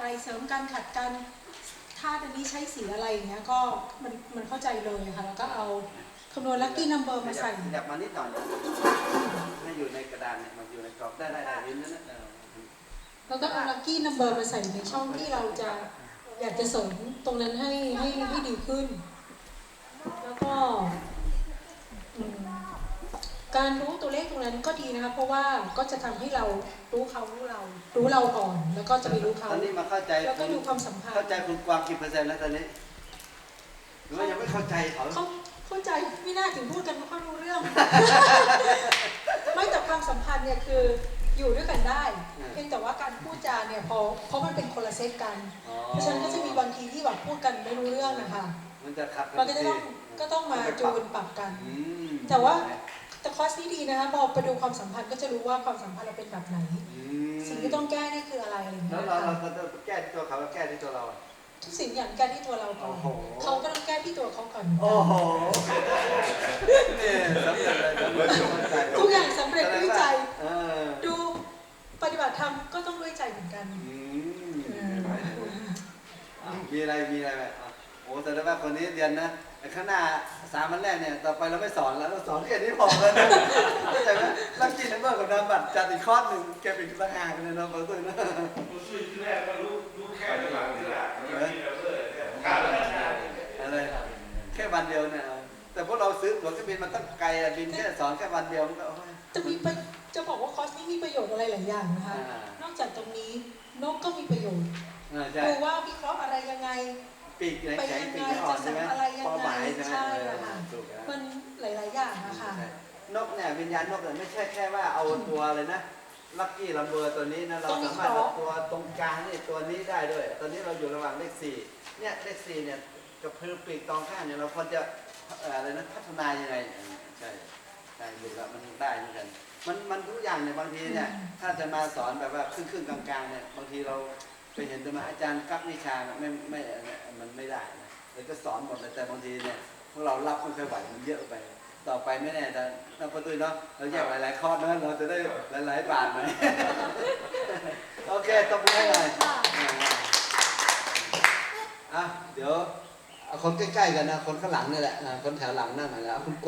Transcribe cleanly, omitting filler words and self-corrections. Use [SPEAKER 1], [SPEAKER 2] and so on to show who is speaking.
[SPEAKER 1] เสริมกันขัดกันธาตุอันนี้ใช้สีอะไรอย่างเงี้ยก็มันเข้าใจเลยค่ะแล้วก็เอาคำนวณลัคกี้นัมเบอร์มาใส่
[SPEAKER 2] ขยับมานิดหน่อยให้อยู่ในกระดานเนี่ยมันอยู่ในกรอบได้ลิ้นนั่นนะ
[SPEAKER 1] แล้วก็เอาลัคกี้นัมเบอร์มาใส่ในช่องที่เราจะอยากจะเสริมตรงนั้นให้ดีขึ้นแล้วก็การรู้ตัวเลขตรงนั้นก็ดีนะคะเพราะว่าก็จะทำให้เรารู้เขารู้เราก่อนแล้วก็จะไปรู้เขา
[SPEAKER 2] ตอนนี้มาเข้าใจ
[SPEAKER 1] แล้วก็ดูความสัมพันธ์
[SPEAKER 2] เข้าใจคุณกวางกี่เปอร์เซ็นต์แล้วตอนนี้หรือว่ายังไม่เข้าใจเขา
[SPEAKER 1] เข้าใจไม่น่าถึงพูดกันไม่ค่อยรู้เรื่อง ไม่แต่ความสัมพันธ์เนี่ยคืออยู่ด้วยกันได้เพียงแต่ว่าการพูดจาเนี่ยเพราะมันเป็นคนละเซตกันเพราะฉะนั้นก็จะมีบางทีที่แบบพูดกันไม่รู้เรื่องนะคะ
[SPEAKER 2] มันจะขัด
[SPEAKER 1] มันก็ต้องมาจูนปรับกันแต่คอร์สนี้ดีนะคะพอไปดูความสัมพันธ์ก็จะรู้ว่าความสัมพันธ์เราเป็นแบบไหนสิ่งที่ต้องแก้นี่คืออะไรอะไรอย่างเงี้ย
[SPEAKER 2] แล้วเราแก้ที่ตัวเขาแล้วแก้ที่ตัวเรา
[SPEAKER 1] ทุกสิ่งอย่างแก้ที่ตัวเราก่อนเขาก็ต้องแก้ที่ตัวเขาก่อน
[SPEAKER 2] โอ้โหนี่สำเร็จเลย
[SPEAKER 1] ทุกอย่างสำเร็จด้วยใจดูปฏิบัติธรรมก็ต้องด้วยใจเหมือนกัน
[SPEAKER 2] มีอะไรไหมโอ้แต่ว่าคนนี้เรียนนะข้างหน้า3 วันแรกเนี่ยต่อไปเราไม่สอนแล้วเราสอนแค่นี้พอแล้วนะเข้าใจไหมลักกี้นัมเบอร์กับนามบัตรจัดอีกคอร์สหนึ่งแกเป็นต่างหากเลยนะบางตัวนะ
[SPEAKER 3] ที่แรกก็รู้แค่หลังที่หลัง
[SPEAKER 2] อะไรแค่วันเดียวเนี่ยแต่พวกเราซื้อตั๋วเครื่องบินมันต้องไกลบินแค่สอนแค่วันเดียวมันก็
[SPEAKER 1] จะบอกว่าคอร์สนี้มีประโยชน์อะไรหลายอย่างนะคะนอกจากตรงนี้นกก็มีประโยชน์ดูว่าวิเคราะห์อะไรยังไง
[SPEAKER 2] ปีกไหนแข็งปีกอ่อนใช่ไหมพอหมายใช่ไหม
[SPEAKER 1] มันหลายๆอย่างนะคะ
[SPEAKER 2] นกเนี่ยวิญญาณนกเนี่ยไม่ใช่แค่ว่าเอาตัวเลยนะลัคกี้ลัมเบอร์ตัวนี้นะเราสามารถเอาตัวตรงกลางนี่ตัวนี้ได้ด้วยตอนนี้เราอยู่ระหว่างเลข4เนี่ยเลข4เนี่ยกับพื้นปีกตองข้างเนี่ยเราควรจะอะไรนะพัฒนายังไงใช่ดูแล้วมันได้เหมือนกันมันทุกอย่างเนี่ยบางทีเนี่ยถ้าจะมาสอนแบบว่าครึ่งกลางๆเนี่ยบางทีเราไปเห็นตัวมาอาจารย์กักวิชามันไม่ได้นะเราก็สอนหมดเลยแต่บางทีเนี่ยพวกเรารับไม่ค่อยไหวมันเยอะไปต่อไปไม่แน่แต่เราประตูเนาะเราแยกหลายๆข้อนะเราจะได้หลายๆบาทไหมโอเคตบมือให้หน่อยเดี๋ยวเอาคนใกล้ๆกันนะคนข้างหลังนี่แหละคนแถวหลังนั่งหน่อยนะคุณ